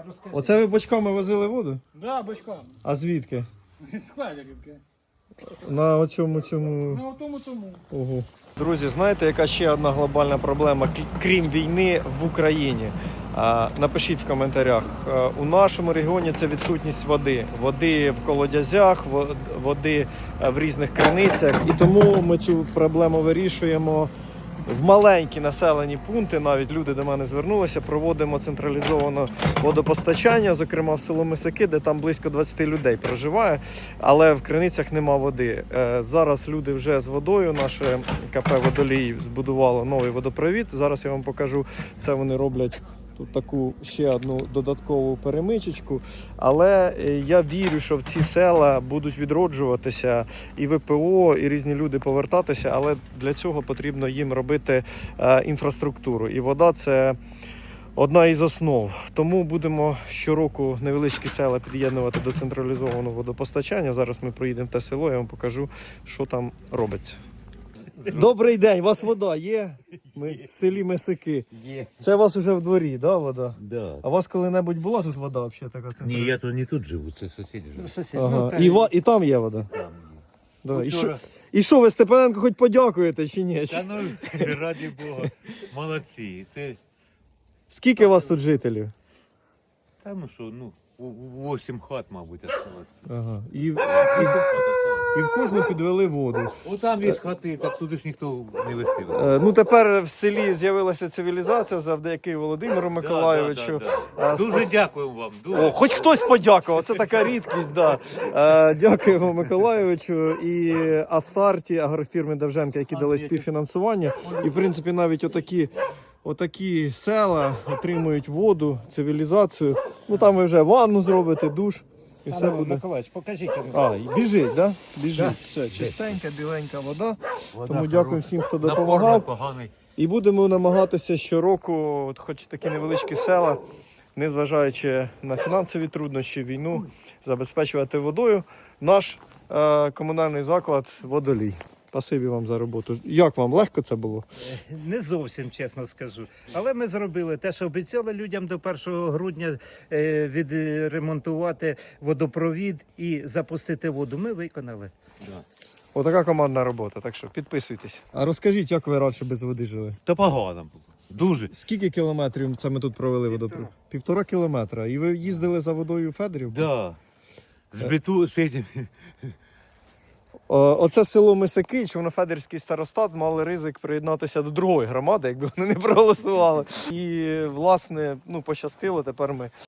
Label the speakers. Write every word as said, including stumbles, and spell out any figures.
Speaker 1: розкажи.
Speaker 2: Оце ви бочками возили воду?
Speaker 1: Да, бочками.
Speaker 2: А звідки?
Speaker 1: З Хвалярівки.
Speaker 2: На оцьому цьому.
Speaker 1: Ну, тому тому.
Speaker 2: Ого. Друзі, знаєте, яка ще одна глобальна проблема, крім війни в Україні? А, напишіть в коментарях. А, у нашому регіоні це відсутність води. Води в колодязях, води в різних криницях. І тому ми цю проблему вирішуємо в маленькі населені пункти. Навіть люди до мене звернулися, проводимо централізоване водопостачання, зокрема в село Мисаки, де там близько двадцять людей проживає, але в криницях нема води. Зараз люди вже з водою, наше КП «Водолій» збудувало новий водопровід. Зараз я вам покажу, це вони роблять тут таку ще одну додаткову перемичечку. Але я вірю, що в ці села будуть відроджуватися і ВПО, і різні люди повертатися, але для цього потрібно їм робити е, інфраструктуру. І вода – це одна із основ. Тому будемо щороку невеличкі села під'єднувати до централізованого водопостачання. Зараз ми проїдемо в те село, я вам покажу, що там робиться. Добрий день, у вас вода є? Ми в селі Мисаки.
Speaker 3: Є.
Speaker 2: Це у вас вже в дворі, да, вода?
Speaker 3: Да.
Speaker 2: А у вас коли-небудь була тут вода взагалі така?
Speaker 3: Ні, я тут не тут живу, це сусіди живуть.
Speaker 1: Сусід.
Speaker 2: Ага.
Speaker 1: Ну, та
Speaker 2: І, ва... і там є вода?
Speaker 3: Там.
Speaker 2: Да. І, що...
Speaker 3: Вчора-
Speaker 2: І що, ви Степаненко хоч подякуєте чи ні?
Speaker 3: Та ну, раді Бога, молодці. Ти,
Speaker 2: Скільки у вас тут жителів?
Speaker 3: та ну що, ну, в- вісім хат, мабуть, осталось.
Speaker 2: Ага. І, і,
Speaker 3: Вісім хат осталось.
Speaker 2: і в кожну підвели воду.
Speaker 3: О, там є хати, так туди ж ніхто не вестив.
Speaker 2: Е, ну тепер в селі з'явилася цивілізація завдяки Володимиру Миколайовичу. Е,
Speaker 3: Дуже дякуємо вам. Дуже.
Speaker 2: О, хоч хтось подякував, це така рідкість, да. Е, дякуємо Миколайовичу і Астарті, агрофірми Довженка, які дали співфінансування. І, в принципі, навіть отакі, отакі села отримують воду, цивілізацію. Ну там ви вже ванну зробите, душ, і все буде.
Speaker 1: Миколаївич, покажіть.
Speaker 2: А, і біжить, да? Біжить. Все, чистенька, біленька вода. Тому дякую всім, хто допомагав.
Speaker 3: Поганий.
Speaker 2: І будемо намагатися щороку, от хоч такі невеличкі села, незважаючи на фінансові труднощі, війну, забезпечувати водою наш е, комунальний заклад «Водолій». Спасибі вам за роботу. Як вам, легко це було?
Speaker 4: Не зовсім, чесно скажу. Але ми зробили те, що обіцяли людям до першого грудня е, відремонтувати водопровід і запустити воду. Ми виконали.
Speaker 2: Отака командна робота, так що підписуйтесь. А розкажіть, як ви раніше без води жили?
Speaker 3: Та погано було. Дуже.
Speaker 2: Скільки кілометрів це ми тут провели водопровід? Півтора кілометра. І ви їздили за водою у Федорів?
Speaker 3: Да. Збиту сидім.
Speaker 2: О, Оце село Мисаки, Човно-Федорівський старостат мали ризик приєднатися до другої громади, якби вони не проголосували. І, власне, ну, пощастило, тепер ми